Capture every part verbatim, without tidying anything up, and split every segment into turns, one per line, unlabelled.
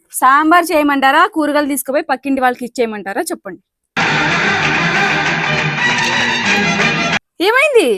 సాంబార్ చేయమంటారా కూరగాయలు తీసుకుపోయి పక్కింటి వాళ్ళకి ఇచ్చేయమంటారా చెప్పండి. ఏమైంది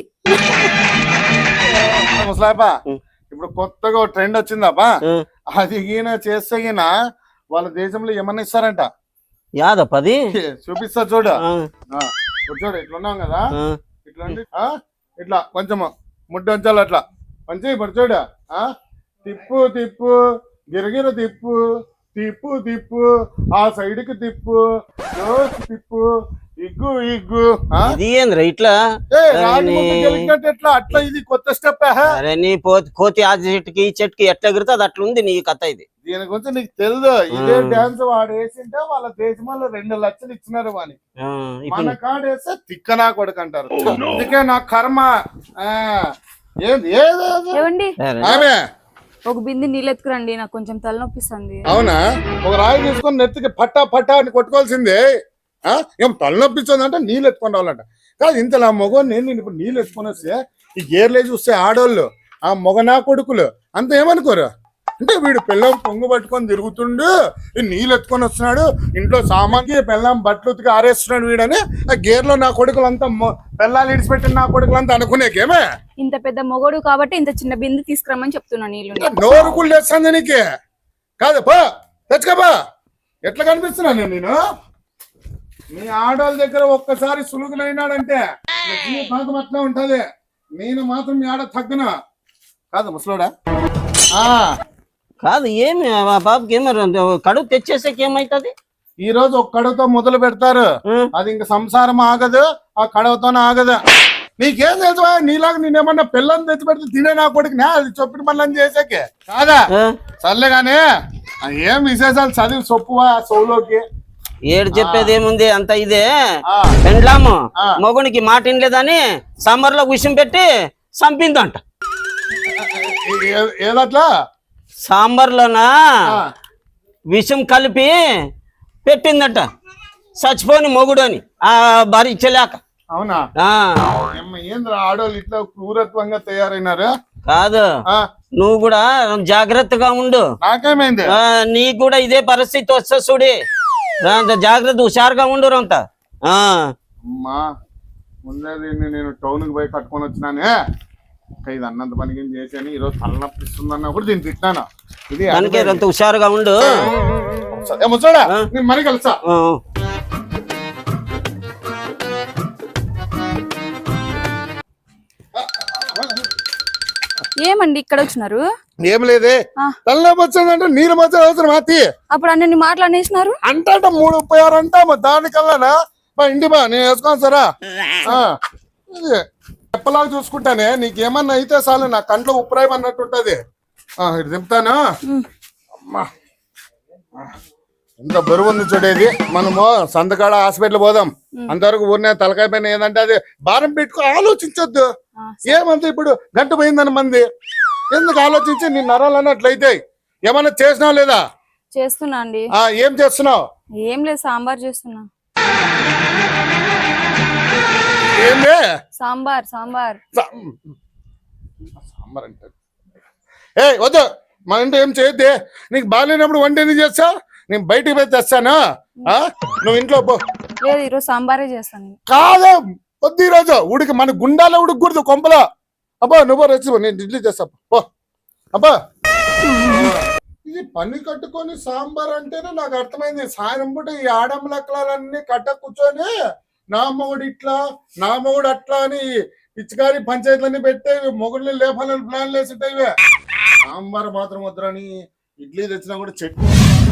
ముసలాయపా? ఇప్పుడు కొత్తగా ట్రెండ్ వచ్చిందప్పా, అది ఈయన చేస్తే ఈయన వాళ్ళ దేశంలో ఏమన్నా ఇస్తారంట.
యాదప్పది
చూపిస్తా చూడు. చూడు ఇట్లున్నాం కదా, ఇట్లా ఇట్లా కొంచెము ముడ్డు ఉంచాలి అట్లా మంచి ఇప్పుడు చూడు. తిప్పు తిప్పు గిరగిర తిప్పు తిప్పు తిప్పు ఆ సైడ్ కి తిప్పు తిప్పు ఇగ్గు ఇగ్గు
ఇట్లా
ఎట్లా అట్లా ఇది కొత్త స్టెప్.
అరే నీ కోతి ఆ చెట్టుకి ఈ చెట్టుకి ఎట్లా ఎగురుతుంది అట్లా ఉంది నీ కథ. ఇది
దీని గురించి నీకు తెలుసు. ఇదే డాన్స్ వాడు వేసింటే వాళ్ళ దేశంలో రెండు లక్షలు ఇచ్చినారు వాని. మన కాడ వేస్తే తిక్కనా కొడుకు అంటారు. అందుకే నా కర్మ. ఆమె
ఒక బింది నీళ్ళు ఎత్తుకురండి, నాకు కొంచెం తలనొప్పిస్తుంది.
అవునా? ఒక రాయి తీసుకొని నెత్తికి పట్టా పట్టా అని కొట్టుకోవాల్సిందే. ఏం తలనొప్పిస్తుంది అంటే నీళ్ళు ఎత్తుకొని రావాలంట. కాదు ఇంత నా మొగ నేను నేను ఇప్పుడు నీళ్ళు ఎత్తుకొని వస్తే ఈ గేర్లే చూస్తే ఆడోళ్ళు ఆ మొగనా కొడుకులు అంత ఏమనుకోరు అంటే వీడు పిల్లం పొంగు పట్టుకొని తిరుగుతుండు, నీళ్ళు ఎత్తుకొని వస్తున్నాడు, ఇంట్లో సామాన్కి పిల్లం బట్టలు ఉతికి ఆరేస్తున్నాడు వీడని ఆ గేర్లో నా కొడుకులంతా పిల్లలు ఇడిచిపెట్టిన నా కొడుకులంతా అనుకునేకేమే.
ఇంత పెద్ద మొగడు కాబట్టి ఇంత చిన్న బిందు తీసుకురమ్మని చెప్తున్నా. నీళ్ళు
నోరుకులు తెస్తుంది నీకే కాదు పో తెచ్చుకోపా. ఎట్లా కనిపిస్తున్నా నేను నేను మీ ఆడవాళ్ళ దగ్గర ఒక్కసారి సులుగులైనాడంటే జీవితాంతం అట్లా ఉంటది. నేను మాత్రం మీ ఆడ తగ్గన కాదు ముసలోడా.
కాదు ఏమి బాబుకి ఏమో కడుపు తెచ్చేసాక ఏమైతుంది?
ఈ రోజు ఒక కడువుతో మొదలు పెడతారు, అది ఇంక సంసారం ఆగదు, ఆ కడవతోనే ఆగదు. నీకేం తెలుసు నీలాగా నేనేమన్నా పిల్లని తెచ్చి పెడితే తినే నా కొడుకునే అది చెప్పిన పనులని చేసాకే కాదా? సర్లేగానే ఏం విశేషాలు చదివి సొప్పువా సౌలోకి.
ఏడు చెప్పేది ఏముంది అంత ఇదే. పెండ్లాము మొగునికి మాట వినలేదని సమ్మర్ లో విషయం పెట్టి చంపిందంట.
ఏదట్లా?
సాంబార్లోనా విషం కలిపి పెట్టిందట చచ్చిపోని మొగుడు అని ఆ భార్య ఇచ్చలేక.
అవునా? ఏంద్ర ఆడోళ్ళు ఇట్లా క్రూరత్వంగా తయారైనారు.
కాదు నువ్వు కూడా జాగ్రత్తగా ఉండు.
నాకేమైంది?
నీకు కూడా ఇదే పరిస్థితి వస్తా చూడి, జాగ్రత్త హుషారుగా ఉండు అంత.
అమ్మా ముందే నేను టౌన్ కి పోయి కట్టుకొని వచ్చినానే, ఇది అన్నంత పనికి చేసాను. ఈరోజు తలనొప్పిస్తుంది అన్నప్పుడు దీన్ని తిట్టాను. ఇది
అంత హుషారుగా ఉండు.
ముసడా నేను మరి కలుసా.
ఏమండి ఇక్కడ వచ్చినారు?
ఏం లేదే, తలనొప్పి వచ్చిందంటే నీళ్ళు మధ్య అవసరం మాతి.
అప్పుడు అన్ని మాటలు అనేసినారు
అంటే మూడు ముప్పై ఆరు అంటా దానికల్లానా మా ఇంటి బా నేను వేసుకోను సరా. చెప్పలాగా చూసుకుంటానే, నీకేమన్నా అయితే చాలు నా కంట్లో ఉప్పురాయి అన్నట్టు ఉంటది. ఇటు దింపుతాను. అమ్మా ఎంత బరువు ఉంది చూడేది. మనము సంతకాడ హాస్పిటల్ పోదాం, అంతవరకు ఊరినే తలకాయ పైన ఏదంటే అది భారం పెట్టుకో ఆలోచించొద్దు. ఏమంత ఇప్పుడు గంట పోయిందని మంది ఎందుకు ఆలోచించి నీ నరాలన్నీ అట్లయితాయి. ఏమన్నా చేసినావు లేదా?
చేస్తున్నా అండి.
ఏం చేస్తున్నావు?
ఏం లేదు, సాంబార్ చేస్తున్నా.
ఏంది?
సాంబార్ సాంబార్
సాంబార్ అంటే ఏ వద్దు, మన ఇంట్లో ఏం చేయొద్దే. నీకు బాగాలేనప్పుడు వంట ఎందుకు చేస్తావు? నేను బయటికి పోయి తెస్తాను, నువ్వు ఇంట్లో పో.
లేదు ఈరోజు సాంబారే చేస్తాను.
కాదు వద్దు, ఈరోజు ఉడికి మన గుండాలో ఉడకూడదు కొంపలో. అబ్బా నువ్వు రెచ్చి నేను ఇడ్లీ చేస్తా పో. అబ్బా ఇది పని కట్టుకొని సాంబార్ అంటేనే నాకు అర్థమైంది. సాయం పూట ఈ ఆడమ్మలక్కలన్నీ కట్ట కూర్చొని నా మొగుడు ఇట్లా నా మొగుడు అట్లా అని పిచ్చికారి పంచాయతీలన్నీ పెట్టే మొగుడిని లేపాలని ప్లాన్లు వేసింటాయి. ఇవే సాంబార్ మాత్రం వద్దని ఇడ్లీ తెచ్చినా కూడా చట్నీ.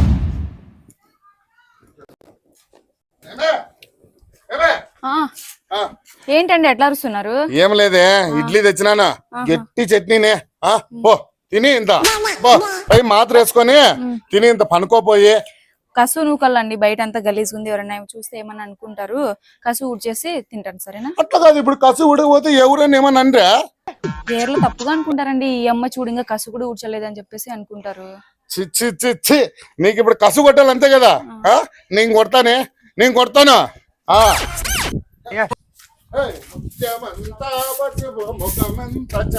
ఏంటండి ఎట్లా అరుస్తున్నారు?
ఏం లేదే, ఇడ్లీ తెచ్చినానా గట్టి చట్నీనే పో తిని ఇంత పై మాత్ర వేసుకొని తిని ఇంత పనుకోపోయి.
కసు నూకల్లండి, బయట అంతా గలీజ్ ఉంది, ఎవరైనా చూస్తే ఏమన్నా అనుకుంటారు. కసు ఊడ్చేసి తింటాను సరేనా?
అట్లా కాదు, ఇప్పుడు కసు ఊడకపోతే ఎవరైనా ఏమన్నా అనరా?
పేర్లు తప్పుగా అనుకుంటారండి. ఈ అమ్మ చూడంగా కసు కూడా ఊడ్చలేదని చెప్పేసి అనుకుంటారు.
చిచ్చి చిచ్చి నీకు ఇప్పుడు కసు కొట్టాలి అంతే కదా. నేను కొడతానే, నేను కొడతాను.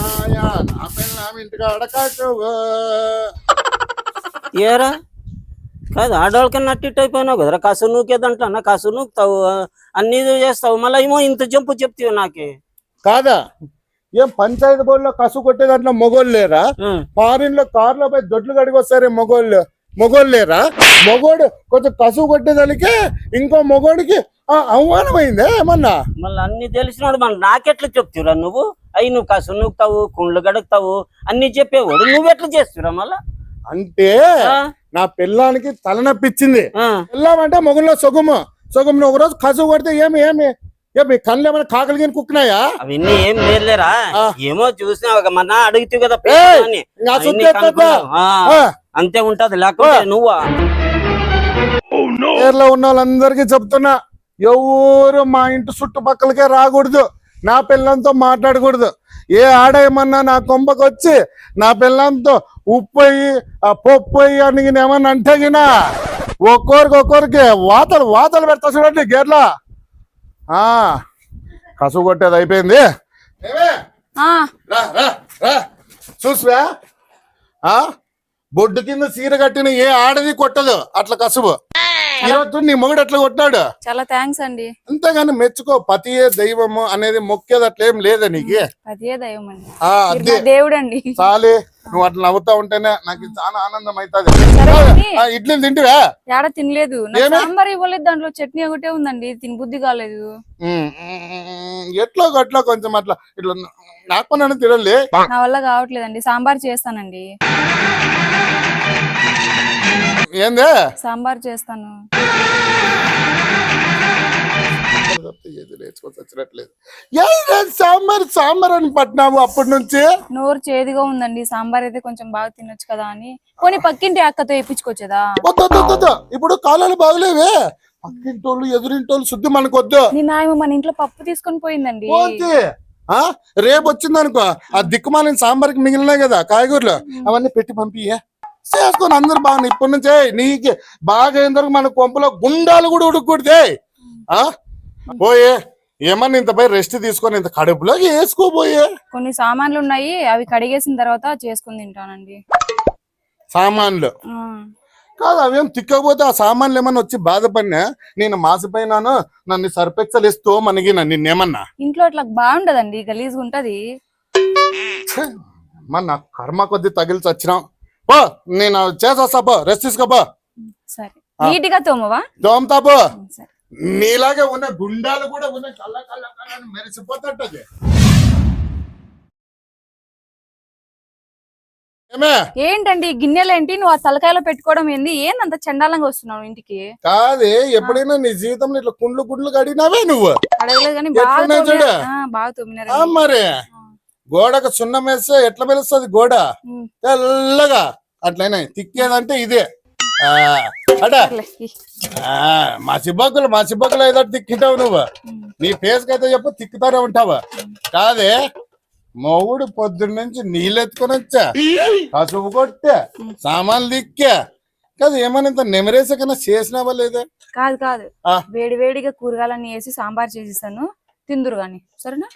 ఏరా కాదు ఆడవాళ్ళకన్నా అట్టిట్ అయిపోయినావు కదరా, కసు నూకేదంటా కసు నూకుతావు అన్ని చేస్తావు, మళ్ళీ ఏమో ఇంత జంపు చెప్తావు నాకే.
కాదా ఏం పంచాయతీ బోర్డులో కసు కొట్టే దాంట్లో మొగోళ్ళు లేరా? ఫారిన్ లో కార్లో పోయి దొడ్లు కడిగి వస్తారే మొగోళ్ళు, మొగోళ్ళు లేరా? మొగోడు కొంచెం కసు కొట్టేదానికి ఇంకో మొగోడికి అవమానమైందే ఏమన్నా?
మళ్ళీ అన్ని తెలిసినాడు మళ్ళీ నాకెట్లా చెప్తురా నువ్వు? అయ్యి నువ్వు కసు నూకుతావు, కుండ్లు గడుగుతావు అన్ని చెప్పేవాడు, నువ్వెట్లా చేస్తురా మళ్ళా?
అంటే నా పిల్లానికి తలనొప్పించింది. పిల్లామంటే మొగుల్లో సొగుము సొగుము ఒక రోజు కసు కొడితే ఏమి ఏమి ఏమి కళ్ళు ఏమైనా కాకలికి కుక్కున్నాయా?
అవన్నీ ఏం లేదులేరా, ఏమో చూసినా ఒక మన అడుగుతావు కదా అంతే ఉంటది, లేకపోతే నువ్వా?
పేర్లో ఉన్న వాళ్ళందరికీ చెప్తున్నా, ఎవరు మా ఇంటి చుట్టుపక్కలకే రాకూడదు, నా పిల్లంతో మాట్లాడకూడదు. ఏ ఆడేమన్నా నా కొంపకు వచ్చి నా పిల్లంతో ఉప్పు అయ్యి ఆ పప్పు అయ్యి అని ఏమన్నా అంటే గినా ఒక్కొరికి ఒక్కొరికి వాతలు వాతలు పెడతా చూడండి గేర్లా. ఆ కసు కొట్టేది అయిపోయింది. చూసివా బొడ్డు కింద సీర కట్టిన ఏ ఆడది కొట్టదు అట్లా కసుబు. ఈరోజు నీ మొగుడు అట్లా కొట్టాడు.
చాలా థ్యాంక్స్ అండి.
అంతేగాని మెచ్చుకో, పతియే దైవము అనేది మొక్కేది అట్లేం లేదా నీకు?
పతియే దైవం అండి,
అదే
దేవుడు అండి.
చాలే నువ్వు అట్లా నవ్వుతా ఉంటేనే నాకు చాలా ఆనందం అవుతుంది. ఇడ్లీ తింటివా?
ఏడ తినలేదు, సాంబార్ ఇవ్వలేదు, దాంట్లో చట్నీ ఒకటే ఉందండి, తిని బుద్ధి కాలేదు.
ఎట్లో గట్లా కొంచెం అట్లా ఇట్లా నాకు నన్ను తినలే,
నా వల్ల కావట్లేదండి. సాంబార్ చేస్తానండి.
ఏందే
సాంబార్ చేస్తాను.
సాంబార్ సాంబార్ అని పట్టినావు అప్పటి నుంచి.
నోరు చేదుగా ఉందండి, సాంబార్ అయితే కొంచెం బాగా తినొచ్చు కదా అని. పోనీ పక్కింటి అక్కతో వేయించుకోవచ్చదా?
ఇప్పుడు కాలాలు బాగలేవే, పక్కింటోళ్ళు ఎదురింటోళ్ళు శుద్ధి మనకొద్దు.
నిన్న ఆయన మన ఇంట్లో పప్పు తీసుకొని పోయిందండి.
రేపు వచ్చిందనుకో ఆ దిక్కుమాలిన సాంబార్కి మిగిలినాయి కదా కాయగూరలు, అవన్నీ పెట్టి పంపియే చేసుకొని అందరు బాగా ఇప్పటి నుంచే నీకు బాగా అయిన మన కొంపలో గుండాలు కూడా ఉడుకుడితే ఆ పోయే ఏమన్నా ఇంత పై రెస్ట్ తీసుకొని ఇంత కడుపులో వేసుకోబోయే.
కొన్ని సామాన్లు ఉన్నాయి, అవి కడిగేసిన తర్వాత చేసుకుని తింటానండి.
సామాన్లు కాదు అవేం తిక్కకపోతే ఆ సామాన్లు ఏమన్నా వచ్చి బాధపడినా నేను మాసిపోయినాను నన్ను సర్పెక్సలు ఇస్తూ మనగిన నిన్నేమన్నా
ఇంట్లో అట్లా బాగుంటదండి, గలీజ్గా ఉంటది.
మన కర్మ కొద్ది తగిలి చచ్చినాం. పో నేను చేసొస్తా, పో రెస్ట్ తీసుకోపో.
సరే నీట్ గా తోమవా?
తోమతా పో. నీలాగే ఉన్న గుండాలు కూడా ఉన్న కళ్ళ కళ్ళ కళ్ళ మెరిసిపోతుంటది.
ఏంటండి గిన్నెలేంటి, నువ్వు ఆ తలకాయలో పెట్టుకోవడం ఏంది? ఏందంత చండాలంగా వస్తున్నావు ఇంటికి?
కాదే ఎప్పుడైనా నీ జీవితంలో ఇట్లా కుండ్లు గుండ్లు కడిగినావే నువ్వు?
అడగలేదు కానీ బాగా తోమినారు.
మరి గోడకు సున్నం వేస్తే ఎట్లా మెలుస్తుంది గోడ? తెల్లగా అట్లయినా తిక్కేదంటే ఇదే. మా సిబ్బకులు మా సిబ్బకులు ఏదో తిక్కింటావు నువ్వు, నీ ఫేస్ కి అయితే చెప్పు తిక్కుతానే ఉంటావా? కాదే మొగుడు పొద్దున్న నుంచి నీళ్ళు ఎత్తుకొని వచ్చా, కసుపు కొట్టా, సామాన్లు దిక్కా, కాదు ఏమన్నా ఇంత నెమరేసే కన్నా చేసినావా లేదా?
కాదు కాదు, వేడి వేడిగా కూరగాయలన్నీ వేసి సాంబార్ చేసిస్తాను, తిందురు గాని సరేనా?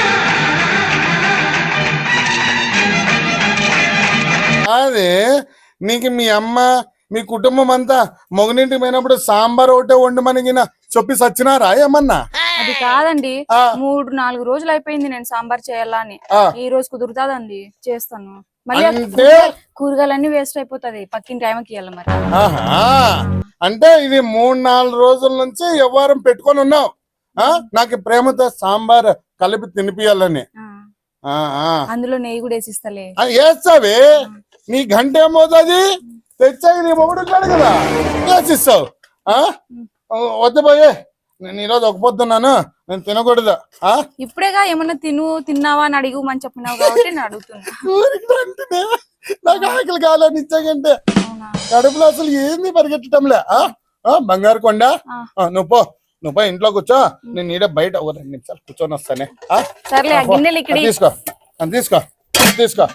అదే నీకు మీ అమ్మ మీ కుటుంబం అంతా మొగనింటికి పోయినప్పుడు సాంబార్ ఒకటే వండమనిగిన చెప్పి సచ్చినారా ఏమన్నా?
అది కాదండి, మూడు నాలుగు రోజులు అయిపోయింది నేను సాంబార్ చేయాలా అని. ఈ రోజు కుదురుతాదండి, చేస్తాను. మళ్ళీ కూరగాయలన్నీ వేస్ట్ అయిపోతుంది, పక్కింటి ఆయమకి ఇవ్వాలి మరి.
అంటే ఇది మూడు నాలుగు రోజుల నుంచి వ్యవహారం పెట్టుకొని ఉన్నావు, నాకు ప్రేమతో సాంబార్ కలిపి తినిపియాలని.
అందులో నెయ్యి కూడా వేసిస్తలే.
వేస్తావే, నీ గంట ఏమవుతుంది తెచ్చాక నీ మొగుడు ఉంటాడు కదా వేసిస్తావు. వద్దపోయే నేను ఈరోజు ఒక పొద్దున్నాను, నేను తినకూడదు.
ఇప్పుడేగా ఏమన్నా తిను తిన్నావా అని అడిగమని చెప్పినావు కాబట్టి నేను అడుగుతున్నా.
నాకు ఆకలి కాలని ఇచ్చాకంటే కడుపులో అసలు ఏంది పరిగెట్టడంలే. బంగారు కొండ నువ్వు పో, నువ్వు పో ఇంట్లో కూర్చో, నేను ఈడ బయట ఒక రెండు నిమిషాలు కూర్చొని వస్తానే. తీసుకో తీసుకో తీసుకో.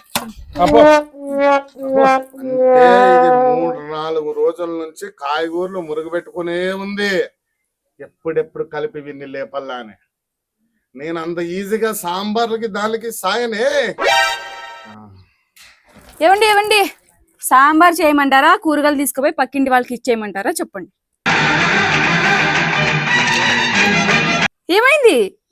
ఇది మూడు నాలుగు రోజుల నుంచి కాయగూరలు మురుగు పెట్టుకునే ఉంది, ఎప్పుడెప్పుడు కలిపి విన్ని లేపల్లా అని. నేను అంత ఈజీగా సాంబార్లకి దానికి సాయనే.
ఏవండి ఏవండి సాంబార్ చేయమంటారా కూరగాయలు తీసుకుపోయి పక్కింటి వాళ్ళకి ఇచ్చేయమంటారా చెప్పండి. ఏమైంది?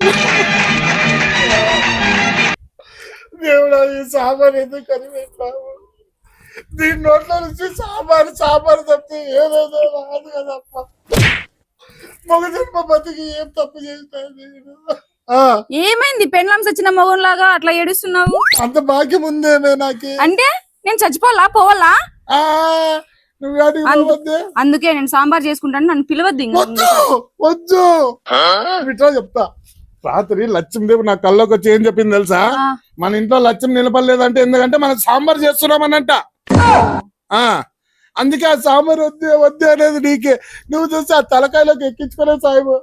దేవుడా ఈ సాంబార్ ఎందుకు కనిపెట్టావు? దీని నోట్లో నుంచి సాంబార్ సాంబార్ తప్పితే ఏదేదో రాదు కదప్ప. మగ జన్మ బతికి ఏం తప్పు చేస్తాను?
ఏమైంది? పెండ్లాం సచ్చిన మగంలాగా అట్లా ఏడుస్తున్నావు?
అంత భాగ్యం ఉందేమే నాకు.
అంటే నేను చచ్చిపోవాలా పోవాలా?
నువ్వు
అందుకే నేను సాంబార్ చేసుకుంటాను, నన్ను పిలవద్దు.
వద్దు ఇట్లా చెప్తా. రాత్రి లక్ష్మీదేవి నా కల్లోకి వచ్చి ఏం చెప్పింది తెలుసా? మన ఇంట్లో లక్ష్మి నిలబడలేదంటే ఎందుకంటే మనం సాంబార్ చేస్తున్నామనంట. ఆ అందుకే ఆ సాంబార్ వద్దు వద్దు అనేది నీకే. నువ్వు చూసి ఆ తలకాయలోకి ఎక్కించుకునే సాయిబు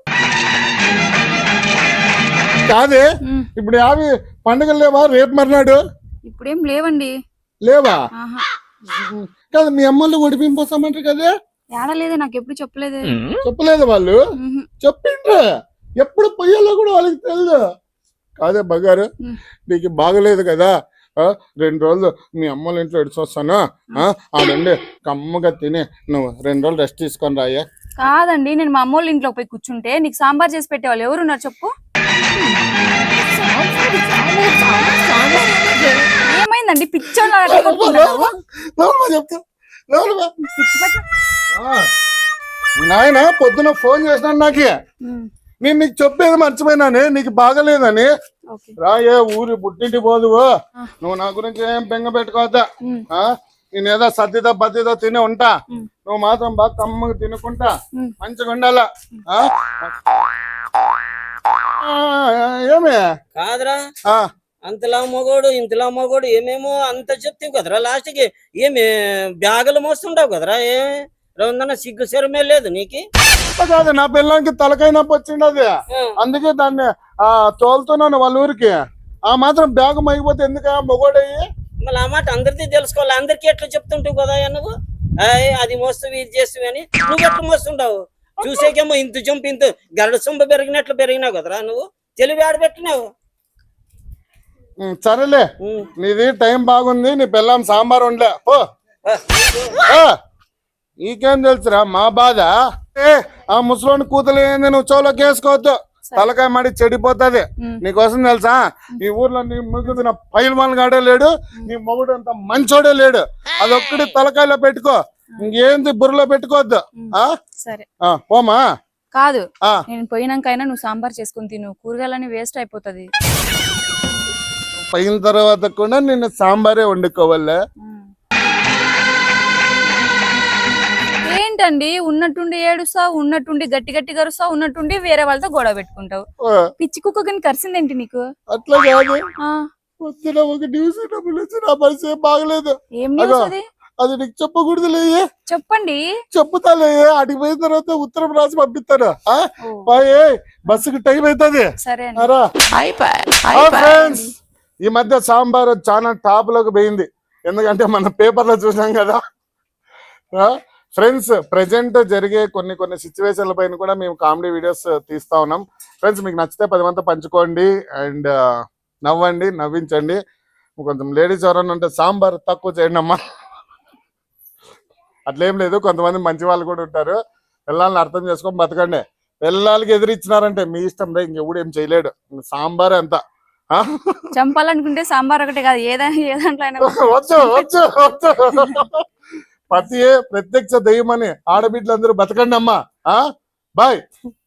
కాదే. ఇప్పుడు యావి పండుగలు లేవా రేపు మర్నాడు?
ఇప్పుడేం లేవండి.
లేవా? కాదు మీ అమ్మలు ఒడిపింపోసామంటారు కదా?
ఏడలేదే, నాకు ఎప్పుడు చెప్పలేదు.
చెప్పలేదు వాళ్ళు? చెప్పిండ్రు ఎప్పుడు పొయ్యాలో కూడా వాళ్ళకి తెలియదు. కాదే బంగారు, నీకు బాగలేదు కదా, రెండు రోజులు మీ అమ్మల ఇంట్లో ఎడిచొస్తాను, ఆ నుండి కమ్మగా తిని నువ్వు రెండు రోజులు రెస్ట్ తీసుకొని రాయే.
కాదండి, నేను మా అమ్మోళ్ళ ఇంట్లో పోయి కూర్చుంటే నీకు సాంబార్ చేసి పెట్టేవాళ్ళు ఎవరున్నారు చెప్పు? ఏమైందండి? పిచ్చోళ్ళ
నాయన పొద్దున ఫోన్ చేసినాను నాకు. నేను నీకు చెప్పేది మర్చిపోయినానే, నీకు బాగలేదని. రాయే ఊరి పుట్టింటి పోదువు, నువ్వు నా గురించి ఏం బెంగ పెట్టుకోవద్దా. నేనేదో సర్దితో బద్దితో తిని ఉంటా, నువ్వు మాత్రం బాగా కమ్మగా తినుకుంటా మంచిగా ఉండాలా. ఏమే
కాదురా, అంతలా మగోడు ఇంతలా మగోడు ఏమేమో అంత చెప్తావు కదరా, లాస్ట్ కి ఏమి బ్యాగులు మోస్తుంటావు కదరా. ఏ రౌందన్న సిగ్గు శరమే లేదు నీకు?
కాదు, నా పిల్లలకి తలకాయ నొప్పి వచ్చిండది, అందుకే దాన్ని ఆ తోలుతున్నాను వాళ్ళ ఊరికి. ఆ మాత్రం బ్యాగ్ మైపోతే ఎందుక మొగోడయ్యి?
మళ్ళీ ఆ మాట అందరికీ తెలుసుకోవాలి. అందరికీ ఎట్లా చెప్తుంటావు కదా నువ్వు, అది మోస్తావు ఇది చేస్తావు అని. నువ్వు ఎట్లా మోస్తుంటావు? చూసేకేమో ఇంత చంపు ఇంత గరడ సొంప పెరిగినట్లు పెరిగినావు కదరా, నువ్వు తెలివి ఆడబెట్టినావు.
సరేలే, నీది టైం బాగుంది, నీ పిల్లం సాంబార్ వండలే ఓ. నీకేం తెలుసురా మా బాధ? ఆ ముసలోని కూతురు ఏంది, నువ్వు చోలోకి వేసుకోవద్దు, తలకాయ మాడి చెడిపోతుంది. నీకోసం తెలుసా, ఈ ఊర్లో నీ ముగ్గురు పైల వాళ్ళ గాడే లేడు, నీ మొగుడు అంత మంచోడే లేడు. అదొక్కటి తలకాయలో పెట్టుకో, ఇంకేంది బుర్రలో పెట్టుకోవద్దు. పోమా?
కాదు, నేను పోయినాకైనా నువ్వు సాంబార్ చేసుకుని తిను, కూరగాయలని వేస్ట్ అయిపోతుంది.
పోయిన తర్వాత కూడా నేను సాంబారే వండుకోవాలా?
ఏంటండి ఉన్నట్టుండి ఏడుస్తావు, ఉన్నట్టుండి గట్టి గట్టి కరుస్తావు, ఉన్నట్టుండి వేరే వాళ్ళతో గొడవ పెట్టుకుంటావు. పిచ్చి కుక్క కానీ కరిసిందేంటి నీకు?
అట్లా కాదు, పొద్దున ఒక న్యూస్ నా పరిస్థితి బాగలేదు.
ఏం న్యూస్ అది?
అది నీకు చెప్పకూడదులే.
చెప్పండి.
చెప్పుతాలే, అడిగి పోయిన తర్వాత ఉత్తరం రాసి పంపిస్తాను. బస్సుకి టైం అవుతుంది.
సరే
ఫ్రెండ్స్, ఈ మధ్య సాంబార్ చాలా టాప్ లోకి పోయింది, ఎందుకంటే మన పేపర్ లో చూసాం కదా ఫ్రెండ్స్. ప్రెజెంట్ జరిగే కొన్ని కొన్ని సిచ్యువేషన్ల పైన కూడా మేము కామెడీ వీడియోస్ తీస్తా ఉన్నాం. ఫ్రెండ్స్, మీకు నచ్చితే పది మంది పంచుకోండి అండ్ నవ్వండి, నవ్వించండి. కొంచెం లేడీస్ ఎవరన్నా ఉంటే సాంబార్ తక్కువ చేయండి అమ్మా. అట్లేం లేదు, కొంతమంది మంచి వాళ్ళు కూడా ఉంటారు. పిల్లల్ని అర్థం చేసుకొని బతకండి. పిల్లలకి ఎదిరిచ్చినారంటే మీ ఇష్టం రే, ఇంకెప్పుడు ఏం చేయలేడు. సాంబార్ ఎంత
చంపాలనుకుంటే సాంబార్ ఒకటే కాదు, ఏదైనా ఏ దాంట్లో అయినా
వచ్చు వచ్చు వచ్చు పతియే ప్రత్యక్ష దయ్యమని ఆడబిడ్డలందరూ బతకండి అమ్మా. బాయ్.